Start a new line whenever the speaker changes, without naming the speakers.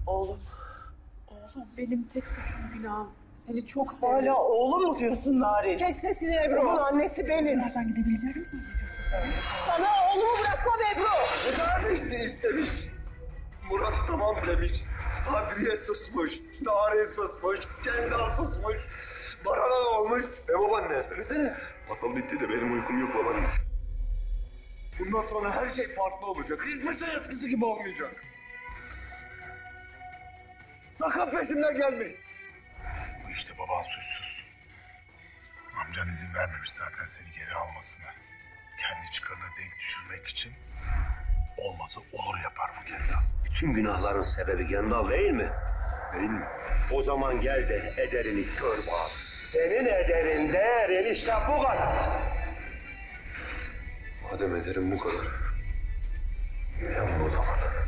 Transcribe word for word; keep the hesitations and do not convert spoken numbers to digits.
Oğlum.
Oğlum benim tek suçum günahım. Seni çok seviyorum.
Hala oğlum mu diyorsun Narin?
Kes sesini Ebru.
Onun annesi benim.
Nereden gidebileceğimi mi zannediyorsun sen?
Sana oğlumu bırakmam Ebru.
Kardeşini istemiş. Murat tamam demiş. Kadriye susmuş. Narin susmuş. Kendal susmuş. Baran'a olmuş. E babaanne söylesene. Masal bitti de benim uykum yok babaanne. Bundan sonra her şey farklı olacak. Hiçbir şey eskisi gibi olmayacak. Sakın peşimden gelmeyin.
Bu işte baban suçsuz. Amcan izin vermemiş zaten seni geri almasına. Kendi çıkarına denk düşürmek için olmazı olur yapar bu Kendal.
Bütün günahların sebebi Gendal değil mi? Değil mi? O zaman gel de ederini kör bağ. Senin ederin değerin işte bu kadar.
Madem ederim bu kadar. Yapma o zaman.